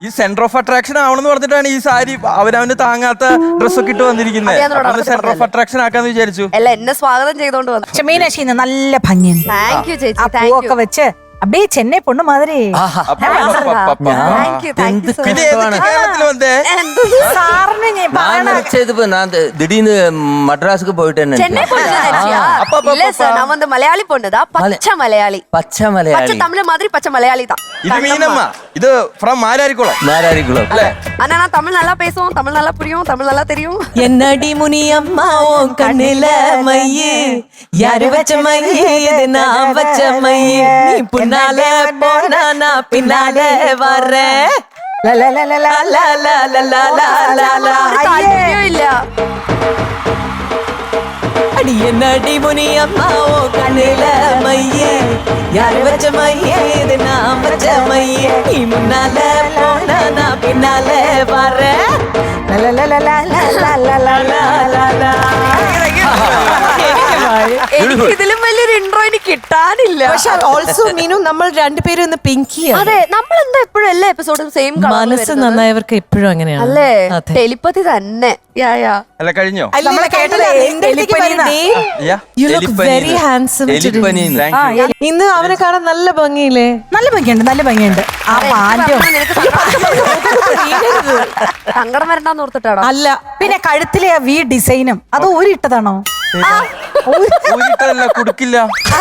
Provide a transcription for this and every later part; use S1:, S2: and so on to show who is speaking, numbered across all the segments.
S1: ഈ centre of attraction ആവണമെന്ന് പറഞ്ഞിട്ടാണ് ഈ സാരി അവനവന് താങ്ങാത്ത ഡ്രസ്സൊക്കെ ഇട്ട് വന്നിരിക്കുന്നത്. സെന്റർ ഓഫ് അട്രാക്ഷൻ ആക്കാന്ന് വിചാരിച്ചു.
S2: അല്ല എന്നെ സ്വാഗതം ചെയ്തോണ്ട് വന്നു.
S3: പക്ഷെ മീനാക്ഷി ഇന്ന് നല്ല ഭംഗിയുണ്ട്.
S2: താങ്ക് യു ചേച്ചി.
S3: ആ പൂവൊക്കെ വെച്ച് அப்படியே ചെന്നൈ പൊണ്ണു മാതിരി.
S1: പിന്നെ കേരളത്തിൽ വന്നേ
S3: സാറിന്
S4: நான் திடீர்னு மദ്ராஸுக்கு போயிட்டேன்னு
S2: சென்னை பொண்ணு இல்ல சார், நான் வந்து மலையாளி பொண்ணுதான். பச்சை மலையாளி.
S4: பச்சை மலையாளி.
S2: பச்சை தமிழ் மாதிரி பச்சை மலையாளி தான்.
S1: ഇത് മീനമ്മ, ഇത് ഫ്രം മാരാരിക്കുളം.
S4: மாராரிக்குளம்.
S2: ஆனா நான் தமிழ் நல்லா பேசுவோம், தமிழ் நல்லா புரியும், தமிழ் நல்லா தெரியும்.
S5: என்னடி முனியம்மா உன் கண்ணில மையே, யாரு வச்ச மையே இது நான் வச்ச மையே, நீ புன்னால போனா நான் பின்னால வர்றேன். லா லா லா லா லா லா லா லா லா லா லா.
S2: താല്പര്യം ഇല്ല.
S5: அடி என்னடி முனியம்மா உன் கண்ணில மையே, யாரு வச்ச மையே இது நான் வச்ச மையே, நீ முன்னால போனா நான் பின்னால வர்றேன். லா லா லா லா லா லா லா லா லா லா லா.
S2: എനിക്ക് ഇതിലും വലിയൊരു ഇൻട്രോ എനിക്ക് കിട്ടാനില്ല.
S5: പക്ഷെ ഓൾസോ മീനു നമ്മൾ രണ്ടുപേരും ഇന്ന് പിങ്കിയാണ്.
S2: അതെ, നമ്മൾ എന്താ എപ്പോഴും എല്ലാ എപ്പിസോഡും സെയിം
S5: മനസ്സ് നന്നായവർക്ക് എപ്പോഴും അങ്ങനെയാണ്
S2: അല്ലേ?
S5: അതെ.
S2: ടെലിപ്പതി തന്നെ. യാ യാ.
S1: അല്ല കഴിഞ്ഞോ?
S3: നമ്മളെ കേട്ടല്ലേ
S5: You look very handsome today. ഇന്ന് അവനെ കാണാൻ നല്ല ഭംഗിയില്ലേ?
S3: നല്ല ഭംഗിയുണ്ട്, നല്ല ഭംഗിയുണ്ട്. ആ പാൻറ്റും
S2: നിനക്ക് സങ്കടം വരണ്ടെന്ന് ഓർത്തിട്ടാണോ?
S5: അല്ല,
S3: പിന്നെ കഴുത്തിലെ ആ വി ഡിസൈനും അത് ഊരിട്ടതാണോ?
S1: ഊരിട്ടല്ല, കൊടുക്കില്ല.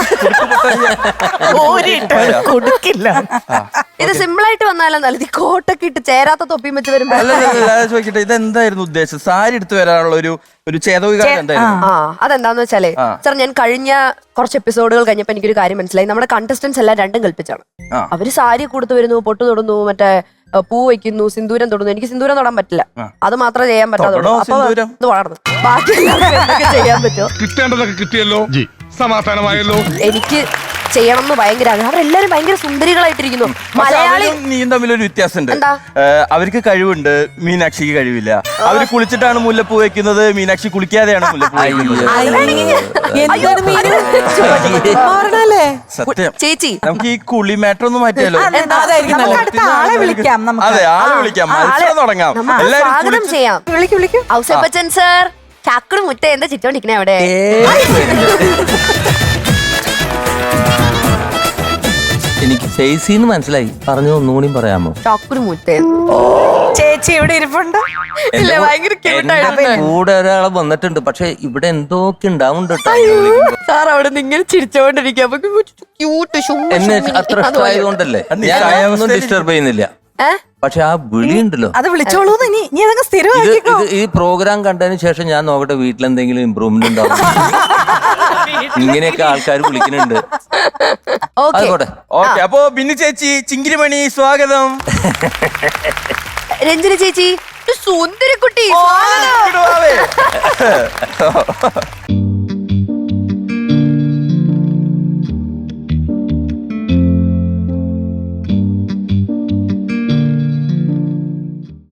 S3: കൊടുക്കില്ല.
S2: ഇത് സിമ്പിൾ ആയിട്ട് വന്നാലും നല്ലത്. കോട്ടൊക്കെ ഇട്ട് ചേരാത്ത തൊപ്പിയും വെച്ച് വരുമ്പോ
S1: അല്ല ചോദിക്കട്ടെ, ഇതെന്തായിരുന്നു ഉദ്ദേശം? സാരി എടുത്തു വരാനുള്ള ഒരു ചേതവികാരം എന്തായിരുന്നു?
S2: അതെന്താന്ന് വെച്ചാലേ സാർ, ഞാൻ കഴിഞ്ഞ കുറച്ച് എപ്പിസോഡുകൾ കഴിഞ്ഞപ്പോ എനിക്കൊരു കാര്യം മനസ്സിലായി. നമ്മുടെ കണ്ടസ്റ്റൻസ് എല്ലാം രണ്ടും കൽപ്പിച്ചാണ്. അവര് സാരി കൊടുത്തു വരുന്നു, പൊട്ടു തൊടുന്നു, മറ്റേ പൂ വയ്ക്കുന്നു, സിന്ദൂരം തൊടുന്നു. എനിക്ക് സിന്ദൂരം തൊടാൻ പറ്റില്ല. അത് മാത്രമേ ചെയ്യാൻ പറ്റാതുള്ളൂ. അപ്പൊ ഇത് വളർന്നു. ബാക്കി എന്തൊക്കെ ചെയ്യാൻ പറ്റുമോ?
S6: കിട്ടേണ്ടതൊക്കെ കിട്ടിയല്ലോ, സമാധാനമായല്ലോ.
S2: എനിക്ക് ചെയ്യണം എന്ന് ഭയങ്കര ആഗ്രഹം. അവരെല്ലാരും ഭയങ്കര സുന്ദരികളായിട്ടിരിക്കുന്നു. മലയാളി
S1: നീയും തമ്മിലൊരു വ്യത്യാസമുണ്ട്.
S2: എന്താ?
S1: അവർക്ക് കഴിവുണ്ട്, മീനാക്ഷിക്ക് കഴിവില്ല. അവര് കുളിച്ചിട്ടാണ് മുല്ലപ്പൂ വെക്കുന്നത്, മീനാക്ഷി കുളിക്കാതെയാണ് മുല്ലപ്പൂ വെക്കുന്നത്.
S5: എന്താണ് മീനു മാറണല്ലേ?
S1: സത്യം.
S2: ചേച്ചി,
S1: നമുക്ക് ഈ കുളി മാറ്റർ ഒന്ന് മാറ്റിയാലോ?
S5: അതായിരിക്കും
S3: നമുക്ക് അടുത്ത ആളെ വിളിക്കാം. നമുക്ക്
S1: അതെ, ആളെ വിളിക്കാം, മത്സരം തുടങ്ങാം.
S2: നമുക്ക്
S1: എല്ലാരും
S2: സ്വാഗതം ചെയ്യാം.
S3: വിളിക്കും.
S2: ഔസേപ്പ് ബച്ചൻ സർ, ചാക്കട് മുറ്റ എന്താ ചിറ്റോണ്ടിരിക്കണേ അവിടെ?
S4: എനിക്ക് ഫേസിന്ന് മനസ്സിലായി. പറഞ്ഞു ഒന്നുകൂടി പറയാമോ?
S2: ചാക്കുരു മുറ്റ
S3: ചേച്ചി ഇവിടെ ഇരിപ്പുണ്ട്.
S2: ഇല്ല, ഭയങ്കര
S4: എന്റെ കൂടെ ഒരാളെ വന്നിട്ടുണ്ട്. പക്ഷെ ഇവിടെ എന്തൊക്കെ ഉണ്ടാവുന്നുണ്ട് കേട്ടോ.
S2: സാർ അവിടെ നിന്ന് ഇങ്ങനെ ചിരിച്ചോണ്ടിരിക്കുക.
S4: എന്നെ അത്ര ഇഷ്ടമായതുകൊണ്ടല്ലേ ഞാൻ ഒന്നും ഡിസ്റ്റർബ് ചെയ്യുന്നില്ല. പക്ഷെ ആ വിളി ഉണ്ടല്ലോ,
S3: അത് വിളിച്ചോളൂ. നീ അതങ്ങ് സ്ഥിരമാക്കിക്കോ.
S4: ഈ പ്രോഗ്രാം കണ്ടതിന് ശേഷം ഞാൻ നോക്കട്ടെ വീട്ടിലെന്തെങ്കിലും ഇമ്പ്രൂവ്മെന്റ് ഉണ്ടാവും. ഇങ്ങനെയൊക്കെ ആൾക്കാർ വിളിക്കുന്നുണ്ട്. ആയിക്കോട്ടെ.
S1: ഓക്കെ, അപ്പോ ബിന്നി ചേച്ചി, ചിങ്കിരിമണി, സ്വാഗതം.
S2: രഞ്ജന ചേച്ചി, സുന്ദരി കുട്ടി,
S1: ഇങ്ങോട്ട് വാവേ.